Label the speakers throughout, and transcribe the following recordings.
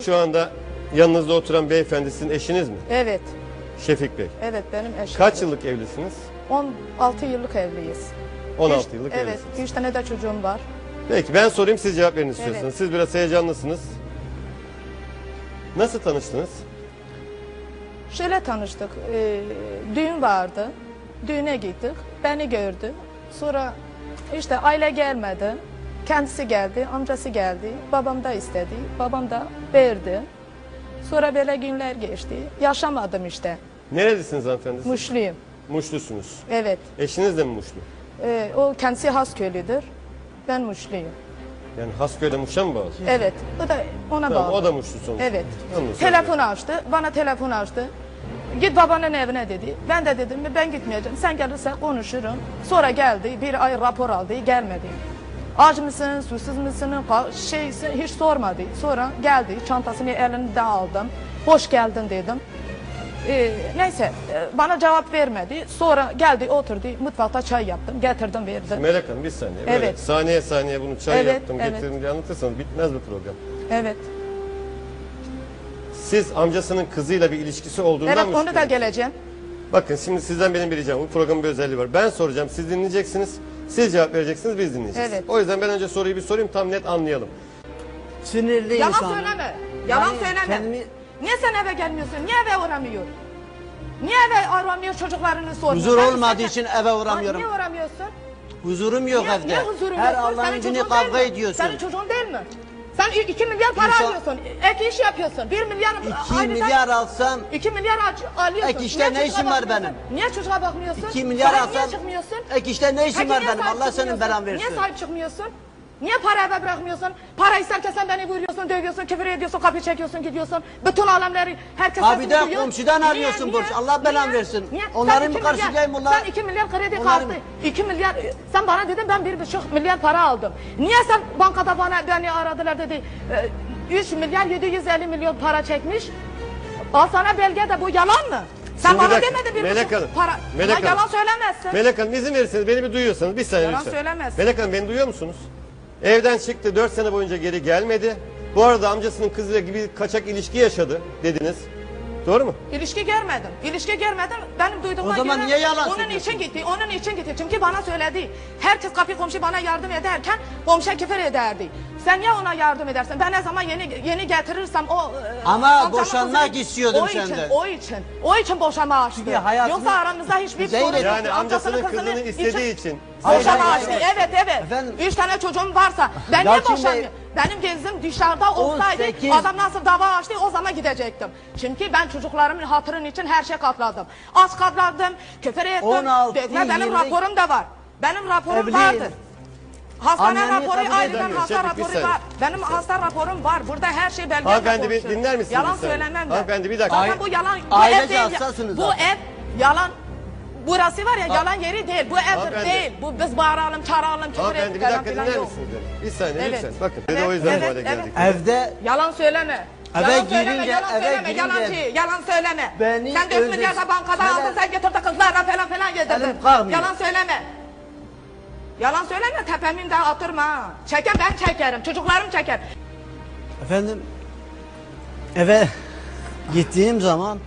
Speaker 1: Şu anda yanınızda oturan beyefendi sizin eşiniz mi?
Speaker 2: Evet.
Speaker 1: Şefik Bey.
Speaker 2: Evet, benim eşim.
Speaker 1: Kaç yıllık evlisiniz?
Speaker 2: 16 yıllık evliyiz.
Speaker 1: 16 yıllık
Speaker 2: Evet,
Speaker 1: evlisiniz.
Speaker 2: 3 tane de çocuğum var.
Speaker 1: Peki ben sorayım, siz cevap verin istiyorsanız.
Speaker 2: Evet.
Speaker 1: Siz biraz heyecanlısınız. Nasıl tanıştınız?
Speaker 2: Şöyle tanıştık. Düğün vardı. Düğüne gittik. Beni gördü. Sonra işte aile gelmedi. Kendisi geldi, amcası geldi. Babam da istedi. Babam da verdi. Sonra böyle günler geçti. Yaşamadım işte.
Speaker 1: Nerelisiniz hanımefendi?
Speaker 2: Muşluyum.
Speaker 1: Muşlusunuz.
Speaker 2: Evet.
Speaker 1: Eşiniz de mi Muşlu?
Speaker 2: O kendisi Hasköylüdür. Ben Muşluyum.
Speaker 1: Yani Hasköy'de Muş'a mı bağlı?
Speaker 2: Evet. O da ona
Speaker 1: Tamam,
Speaker 2: bağlı.
Speaker 1: o da Muşlu sonuçta.
Speaker 2: Evet.
Speaker 1: Anladım.
Speaker 2: Telefon açtı. Bana telefon açtı. Git babanın evine dedi. Ben de dedim ben gitmeyeceğim. Sen gelirsen konuşurum. Sonra geldi. Bir ay rapor aldı. Gelmedi. Aç mısın, susuz musun, şeysin hiç sormadı. Sonra geldi. Çantasını elinde aldım. Hoş geldin dedim. Neyse bana cevap vermedi. Sonra geldi oturdu. Mutfakta çay yaptım. Getirdim verdim.
Speaker 1: Melek Hanım bir saniye.
Speaker 2: Evet.
Speaker 1: Böyle saniye saniye bunu çay
Speaker 2: Evet,
Speaker 1: yaptım
Speaker 2: evet.
Speaker 1: getirdim diye anlatırsanız bitmez bu program.
Speaker 2: Evet.
Speaker 1: Siz amcasının kızıyla bir ilişkisi olduğundan
Speaker 2: Evet
Speaker 1: mı
Speaker 2: onu da
Speaker 1: şüpheleniyorsunuz?
Speaker 2: geleceğim.
Speaker 1: Bakın şimdi sizden benim bir ricam. Bu programın bir özelliği var. Ben soracağım, siz dinleyeceksiniz. Siz cevap vereceksiniz, biz dinleyeceğiz.
Speaker 2: Evet.
Speaker 1: O yüzden ben önce soruyu bir sorayım, tam net anlayalım.
Speaker 3: Sinirli
Speaker 2: Yalan
Speaker 3: insan.
Speaker 2: söyleme. Yalan
Speaker 3: Yani
Speaker 2: söyleme.
Speaker 3: kendimi-
Speaker 2: Niye sen eve gelmiyorsun? Niye eve uğramıyor? Niye eve aramıyor çocuklarını sormuyor?
Speaker 3: Huzur
Speaker 2: Ben
Speaker 3: olmadığı
Speaker 2: sen-
Speaker 3: için eve uğramıyorum.
Speaker 2: Niye uğramıyorsun?
Speaker 3: Huzurum yok evde.
Speaker 2: Niye huzurun
Speaker 3: Her
Speaker 2: yok?
Speaker 3: Allah'ın
Speaker 2: Senin
Speaker 3: günü
Speaker 2: çocuğun
Speaker 3: kavga
Speaker 2: değil mi?
Speaker 3: ediyorsun.
Speaker 2: Senin çocuğun değil mi? Sen 2 milyar para
Speaker 3: İnsan-
Speaker 2: alıyorsun. Ek iş yapıyorsun. 1 milyar
Speaker 3: 2 milyar alsam
Speaker 2: 2 milyar alıyorsun.
Speaker 3: Ek işte
Speaker 2: Niye
Speaker 3: ne
Speaker 2: çocuğa
Speaker 3: işim var
Speaker 2: bakmıyorsun? Niye çocuğa bakmıyorsun?
Speaker 3: 2 milyar
Speaker 2: Sahip niye
Speaker 3: alsam
Speaker 2: çıkmıyorsun?
Speaker 3: ek işte ne işim
Speaker 2: Peki
Speaker 3: var
Speaker 2: niye
Speaker 3: benim?
Speaker 2: sahip
Speaker 3: Allah senin
Speaker 2: çıkmıyorsun?
Speaker 3: belan versin.
Speaker 2: Niye sahip çıkmıyorsun? Niye para eve bırakmıyorsun? Para isterken sen beni vuruyorsun, dövüyorsun, küfür ediyorsun, kapı çekiyorsun, gidiyorsun. Bütün alemleri herkes
Speaker 3: Abi
Speaker 2: sesini
Speaker 3: de
Speaker 2: duyuyor.
Speaker 3: komşudan
Speaker 2: Niye,
Speaker 3: arıyorsun
Speaker 2: niye,
Speaker 3: borç. Allah belanı
Speaker 2: niye,
Speaker 3: versin.
Speaker 2: niye?
Speaker 3: Onların
Speaker 2: Sen
Speaker 3: mı
Speaker 2: 2 milyar-
Speaker 3: karşılayayım onlar?
Speaker 2: Sen 2 milyar kredi
Speaker 3: Onların
Speaker 2: kalktı.
Speaker 3: mı?
Speaker 2: 2 milyar, sen bana dedin ben 1,5 milyar para aldım. Niye sen bankada beni aradılar dedi. 3 milyar 750 milyon para çekmiş. Al sana belge de bu yalan mı? Sen
Speaker 1: Şimdi bir
Speaker 2: bana
Speaker 1: dakika,
Speaker 2: demedin 1,5
Speaker 1: Melek Hanım,
Speaker 2: para.
Speaker 1: Melek
Speaker 2: Ama yalan
Speaker 1: Hanım.
Speaker 2: söylemezsin.
Speaker 1: Melek Hanım izin verirseniz, beni bir duyuyorsanız bir saniye
Speaker 2: Yalan
Speaker 1: lütfen.
Speaker 2: söylemezsin.
Speaker 1: Melek Hanım beni duyuyor musunuz? Evden çıktı, 4 sene boyunca geri gelmedi. Bu arada amcasının kızıyla gibi kaçak ilişki yaşadı dediniz. Doğru mu?
Speaker 2: İlişki görmedim. İlişki görmedim. Benim duyduğuma
Speaker 3: O zaman
Speaker 2: göre
Speaker 3: niye yalan
Speaker 2: onun
Speaker 3: söylüyorsun?
Speaker 2: için gitti. Onun için gitti. Çünkü bana söyledi. Herkes kapı komşu bana yardım ederken komşu küfür ederdi. Sen niye ona yardım edersin? Ben ne zaman yeni getirirsem o
Speaker 3: Ama
Speaker 2: amcamın
Speaker 3: boşanmak
Speaker 2: kızını-
Speaker 3: istiyordum
Speaker 2: o için,
Speaker 3: senden.
Speaker 2: O için boşanma açtı.
Speaker 3: Çünkü hayatını-
Speaker 2: Yoksa aramızda hiçbir
Speaker 3: Zeynep-
Speaker 2: sorun yoktu.
Speaker 1: Yani amcasının kızını istediği için.
Speaker 3: Hayır,
Speaker 2: Boşanma
Speaker 3: hayır,
Speaker 2: açtı.
Speaker 3: hayır.
Speaker 2: Evet.
Speaker 3: Efendim?
Speaker 2: 3 tane çocuğum varsa ben niye
Speaker 3: Lakin Bey-
Speaker 2: boşanmıyorum? Benim gezim dışarıda olsaydı
Speaker 3: 18
Speaker 2: adam nasıl dava açtı o zaman gidecektim. Çünkü ben çocuklarımın hatırın için her şey katladım. Az katladım, küfür ettim,
Speaker 3: 16,
Speaker 2: dövme, benim
Speaker 3: 20
Speaker 2: raporum da var. Benim raporum
Speaker 3: Evli-
Speaker 2: vardır. Hastane
Speaker 3: Anneni
Speaker 2: raporu
Speaker 3: kabul
Speaker 2: ayrıca
Speaker 1: edemiyor.
Speaker 2: hasta
Speaker 1: Şefik, bir
Speaker 2: raporu
Speaker 1: saniye.
Speaker 2: var. Benim hasta raporum var. Burada her şey belgeyle
Speaker 1: Hanımefendi bir
Speaker 2: konuşuyor.
Speaker 1: dinler misiniz?
Speaker 2: Yalan
Speaker 1: bir saniye?
Speaker 2: söylemem ben.
Speaker 1: Hanımefendi bir dakika.
Speaker 2: Zaten bu yalan, bu
Speaker 3: Ailece
Speaker 2: ev değil.
Speaker 3: hassasınız
Speaker 2: Bu
Speaker 3: zaten.
Speaker 2: ev yalan. Burası var ya yalan yeri değil. Bu evdir
Speaker 1: Hanımefendi.
Speaker 2: değil. Bu biz bağıralım, çağıralım, küfür
Speaker 1: Hanımefendi
Speaker 2: edelim
Speaker 1: bir
Speaker 2: falan
Speaker 1: dakika
Speaker 2: filan
Speaker 1: dinler
Speaker 2: yok.
Speaker 1: misiniz beni? Bir saniye
Speaker 2: Evet.
Speaker 1: lütfen. Bakın
Speaker 2: Evet,
Speaker 1: o yüzden bu
Speaker 2: evet,
Speaker 1: hale geldik.
Speaker 3: Evde
Speaker 2: Yalan söyleme.
Speaker 3: Eve
Speaker 2: Yalan söyleme,
Speaker 3: girince-
Speaker 2: yalan
Speaker 3: eve
Speaker 2: söyleme,
Speaker 3: girince-
Speaker 2: yalancı, yalan söyleme.
Speaker 3: Beni
Speaker 2: Sen 4 milyar da bankada
Speaker 3: Şöyle-
Speaker 2: aldın, sen getirdin kızlarla falan yedirdin.
Speaker 3: Elim kalkmıyor.
Speaker 2: Yalan söyleme. Yalan söyleme, tepemin de atırma ha. Çeker ben çekerim, çocuklarım çeker.
Speaker 3: efendim eve gittiğim zaman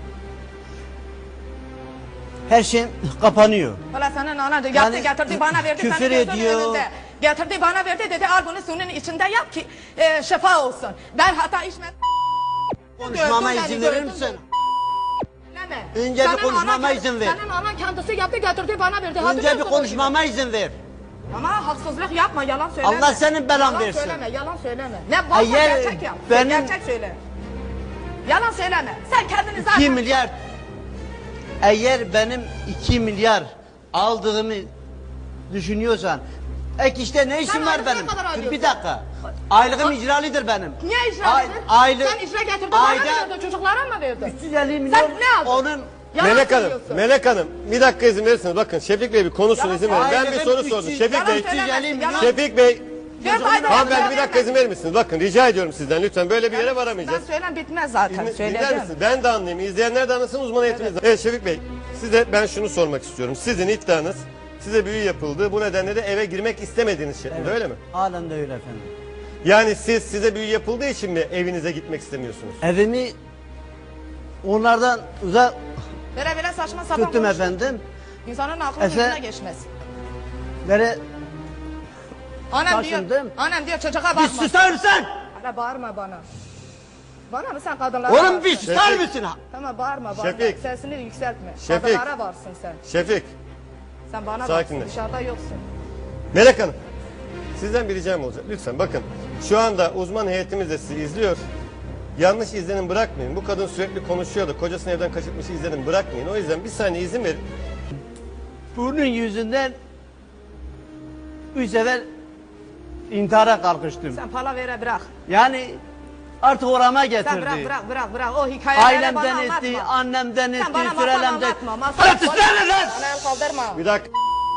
Speaker 3: her şey kapanıyor.
Speaker 2: Valla senin anan yaptı
Speaker 3: Yani
Speaker 2: getirdi bana verdi.
Speaker 3: küfür
Speaker 2: senin gözünün
Speaker 3: ediyor.
Speaker 2: önünde. Getirdi bana verdi dedi al bunu suyun içinde yap ki şifa olsun. Ben hata içmedim.
Speaker 3: Konuşmama
Speaker 2: Gördün
Speaker 3: izin
Speaker 2: beni,
Speaker 3: verir
Speaker 2: gördün
Speaker 3: misin?
Speaker 2: Söyleme.
Speaker 3: Önce bir
Speaker 2: Senin
Speaker 3: konuşmama
Speaker 2: anan-
Speaker 3: izin ver.
Speaker 2: Senin anan kendisi yaptı getirdi bana verdi.
Speaker 3: Önce bir
Speaker 2: Hatırlıyorsun
Speaker 3: konuşmama izin ver.
Speaker 2: o günü. Ama haksızlık yapma yalan söyleme.
Speaker 3: Allah senin belan
Speaker 2: yalan
Speaker 3: versin.
Speaker 2: Söyleme yalan söyleme. Ne varsa
Speaker 3: Eğer
Speaker 2: gerçek yap.
Speaker 3: benim-
Speaker 2: Gerçek söyle. Yalan söyleme. Sen kendini zaten...
Speaker 3: 2 milyar eğer benim 2 milyar aldığımı düşünüyorsan ek işte ne işim
Speaker 2: Sen
Speaker 3: var
Speaker 2: aylık ne
Speaker 3: benim?
Speaker 2: kadar
Speaker 3: Dur
Speaker 2: alıyorsun?
Speaker 3: bir dakika. Aylığım icralidir benim.
Speaker 2: Niye icra
Speaker 3: Ay-
Speaker 2: edin?
Speaker 3: aylık-
Speaker 2: Sen icra getirdin bana mı
Speaker 3: ayda
Speaker 2: verdin? Çocuklara mı verdin?
Speaker 3: 350 milyon
Speaker 2: Sen ne aldın?
Speaker 3: onun
Speaker 2: Yalan
Speaker 1: Melek Hanım,
Speaker 2: söylüyorsun.
Speaker 1: Melek Hanım bir dakika izin verirseniz bakın Şefik Bey bir konuşsun
Speaker 2: Yalan
Speaker 1: izin verin. Ben bir
Speaker 3: söyleme.
Speaker 1: soru
Speaker 3: Aynen,
Speaker 1: sordum.
Speaker 3: 300
Speaker 1: Şefik
Speaker 2: Yalan
Speaker 1: Bey,
Speaker 2: söylemezsin, yalan-
Speaker 1: Şefik Bey.
Speaker 2: 4 ayda
Speaker 1: Hanımefendi bir dakika izin verir misiniz? Bakın rica ediyorum sizden lütfen böyle bir yere
Speaker 2: Ben
Speaker 1: varamayacağız.
Speaker 2: söylem bitmez zaten.
Speaker 1: Dinler
Speaker 2: Söyledim.
Speaker 1: misiniz? Ben de anlayayım. İzleyenler de anlasın uzman eğitiminiz. Evet Şefik Bey size ben şunu sormak istiyorum. Sizin iddianız size büyü yapıldı. Bu nedenle de eve girmek istemediğiniz şeklinde öyle mi?
Speaker 3: halen de öyle efendim.
Speaker 1: Yani siz size büyü yapıldığı için mi evinize gitmek istemiyorsunuz?
Speaker 3: Evimi onlardan uzak
Speaker 2: Böyle saçma sapan
Speaker 3: tuttum
Speaker 2: konuşma.
Speaker 3: efendim.
Speaker 2: İnsanın aklının
Speaker 3: Efe-
Speaker 2: yüzüne geçmez.
Speaker 3: Böyle
Speaker 2: Annem diyor,
Speaker 3: taşındım.
Speaker 2: annem diyor çocuğa
Speaker 3: bir
Speaker 2: bakma.
Speaker 3: susar mısın?
Speaker 2: Hala bağırma bana. Bana mı sen kadınlara
Speaker 3: Oğlum
Speaker 2: varsın?
Speaker 3: bir susar
Speaker 1: Şefik.
Speaker 3: mısın?
Speaker 2: Tamam bağırma bana.
Speaker 1: Şefik.
Speaker 2: Sesini yükseltme.
Speaker 1: Şefik.
Speaker 2: Kadınlara varsın sen.
Speaker 1: Şefik,
Speaker 2: Sen bana
Speaker 1: Sakinleş.
Speaker 2: varsın, dışarıda yoksun.
Speaker 1: Melek Hanım. Sizden bir ricam olacak. Lütfen bakın. Şu anda uzman heyetimiz de sizi izliyor. Yanlış izlenim bırakmayın. Bu kadın sürekli konuşuyordu. Kocasını evden kaçırmış izlenim bırakmayın. O yüzden bir saniye izin verin.
Speaker 3: Bunun yüzünden 3 sefer intihara kalkıştım.
Speaker 2: Sen palavere bırak.
Speaker 3: Yani artık orama getirdi.
Speaker 2: Sen bırak. O hikayeleri bana
Speaker 3: Ailemden
Speaker 2: anlatma.
Speaker 3: etti, annemden
Speaker 2: Sen
Speaker 3: etti,
Speaker 2: bana masal
Speaker 3: sürelemden.
Speaker 2: anlatma. Masal
Speaker 3: Hadi susana lan!
Speaker 2: Bana el kaldırma.
Speaker 1: Bir dakika.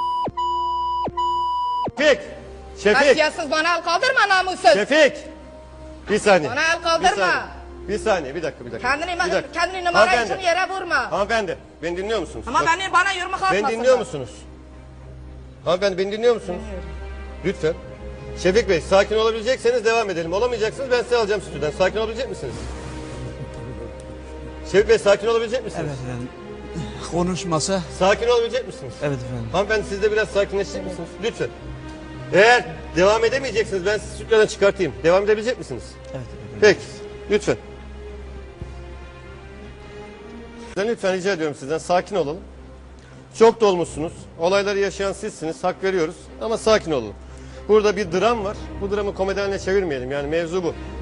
Speaker 1: Şefik. Şefik.
Speaker 2: Kasiyatsız bana el kaldırma namussuz.
Speaker 1: Şefik. Bir saniye.
Speaker 2: Bana el kaldırma.
Speaker 1: Bir saniye. Bir saniye. Bir dakika.
Speaker 2: Kendini numara
Speaker 1: Hanımefendi.
Speaker 2: için yere vurma.
Speaker 1: Hanımefendi. Beni dinliyor musunuz?
Speaker 2: Ama
Speaker 1: Bak,
Speaker 2: bana yürüme kalkmasın.
Speaker 1: beni dinliyor musunuz? Hanımefendi beni dinliyor musunuz? Lütfen. Şefik Bey sakin olabilecekseniz devam edelim. Olamayacaksınız ben sizi alacağım stüdyodan. Sakin olabilecek misiniz? Şefik Bey sakin olabilecek misiniz?
Speaker 4: Evet efendim. Konuşmasa.
Speaker 1: Sakin olabilecek misiniz?
Speaker 4: Evet efendim.
Speaker 1: Hanımefendi siz de biraz sakinleşecek misiniz? Lütfen. Eğer devam edemeyeceksiniz ben sizi stüdyodan çıkartayım. Devam edebilecek misiniz?
Speaker 4: Evet efendim.
Speaker 1: Peki. Lütfen. Lütfen rica ediyorum sizden sakin olalım. Çok dolmuşsunuz. Olayları yaşayan sizsiniz. Hak veriyoruz. Ama sakin olun. Burada bir dram var. Bu dramı komedi haline çevirmeyelim. Yani mevzu bu.